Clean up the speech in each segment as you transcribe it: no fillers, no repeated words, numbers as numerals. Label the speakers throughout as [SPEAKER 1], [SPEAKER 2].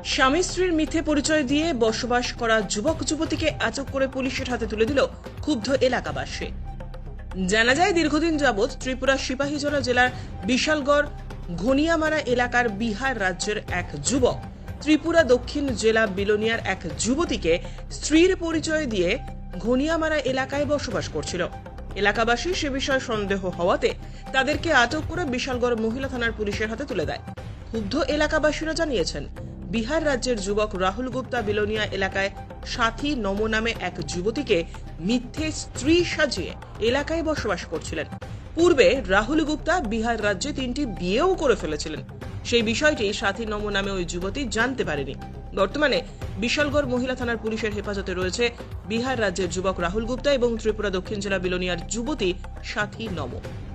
[SPEAKER 1] স্বামী স্ত্রীর মিথ্যে পরিচয় দিয়ে বসবাস করা যুবক যুবতীকে আটক করে পুলিশের হাতে তুলে দিল ক্ষুব্ধ এলাকাবাসী। জানা যায়, দীর্ঘদিন যাবৎ ত্রিপুরা সিপাহীজলা জেলার বিশালগড় ঘনিয়ামারা এলাকার বিহার রাজ্যের এক যুবক ত্রিপুরা দক্ষিণ জেলা বিলোনিয়ার এক যুবতীকে স্ত্রীর পরিচয় দিয়ে ঘনিয়ামারা এলাকায় বসবাস করছিল। এলাকাবাসী সে বিষয়ে সন্দেহ হওয়াতে তাদেরকে আটক করে বিশালগড় মহিলা থানার পুলিশের হাতে তুলে দেয়। ক্ষুব্ধ এলাকাবাসীরা জানিয়েছেন, বিহার রাজ্যের যুবক রাহুল গুপ্তা বিলোনিয়া এলাকায় সাথী নম নামে এক যুবতীকে মিথ্যে স্ত্রী সাজিয়ে এলাকায় বসবাস করছিলেন। পূর্বে রাহুল গুপ্তা বিহার রাজ্যে 3টি বিয়েও করে ফেলেছিলেন। সেই বিষয়টি সাথী নম নামে ওই যুবতী জানতে পারেনি। বর্তমানে বিশালগড় মহিলা থানার পুলিশের হেফাজতে রয়েছে বিহার রাজ্যের যুবক রাহুল গুপ্তা এবং ত্রিপুরা দক্ষিণ জেলা বিলোনিয়ার যুবতী সাথী নম।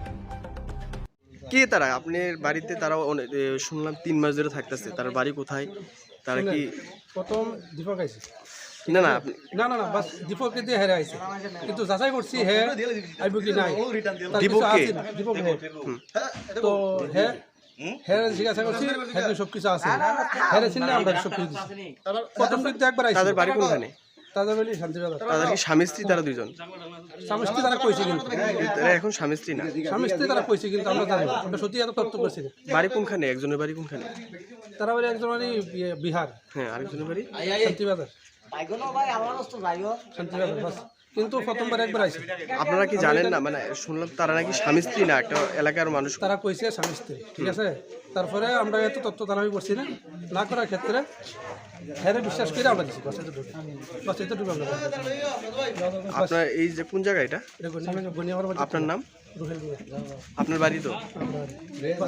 [SPEAKER 2] কে তারা? আপনার বাড়িতে তারা শুনলাম 3 মাস ধরে থাকতেছে। তার বাড়ি কোথায়? তারা কি
[SPEAKER 3] প্রথম দীপক আইছে?
[SPEAKER 2] না না আপনি
[SPEAKER 3] না না না, বাস দীপককে দিয়ে হেরে আইছে, কিন্তু যাচাই করছি হে আইব কি নাই।
[SPEAKER 2] দীপক কে?
[SPEAKER 3] দীপক হে। তো হে হেরে জিজ্ঞাসা করছি, হেরে সব কিছু আছে, হেরে চিনলে আমরা সব কিছু দিচ্ছি। প্রথম কিন্তু একবার আইছে।
[SPEAKER 2] তাদের বাড়ি কোনখানে?
[SPEAKER 3] তাদের বাড়ি শান্তিবাজার।
[SPEAKER 2] তাদের কি স্বামী স্ত্রী তারা দুজন?
[SPEAKER 3] স্বামী স্ত্রী তারা কইছে, কিন্তু
[SPEAKER 2] তারা এখন স্বামী স্ত্রী না।
[SPEAKER 3] স্বামী স্ত্রী তারা কইছে, কিন্তু আমরা জানি না, আমরা সত্যি এত তথ্য করছি না।
[SPEAKER 2] বাড়ি কোনখানে? একজনের বাড়ি কোনখানে?
[SPEAKER 3] তারা বাড়ি একজন বাড়ি বিহার,
[SPEAKER 2] হ্যাঁ, আরেকজনের বাড়ি
[SPEAKER 3] শান্তিবাজার। শান্তিবাজার বাস। কিন্তু প্রথমবার একবার আইছে।
[SPEAKER 2] আপনারা কি জানেন না? মানে শুনলাম তারা নাকি স্বামী স্ত্রী না, একটা এলাকার মানুষ।
[SPEAKER 3] তারা কইছে স্বামী স্ত্রী, ঠিক আছে। তারপরে আমরা এত তথ্য দাবি করছি না, না করার ক্ষেত্রে হ্যাঁ বিশ্বাস করে আমরা দিচ্ছি। বাস এতটুকু আমরা।
[SPEAKER 2] আপনার এই যে কোন জায়গা এটা?
[SPEAKER 3] এটা গনিয়া আমার বাড়ি।
[SPEAKER 2] আপনার নাম?
[SPEAKER 3] রুহেল মিয়া।
[SPEAKER 2] আপনার বাড়ি তো?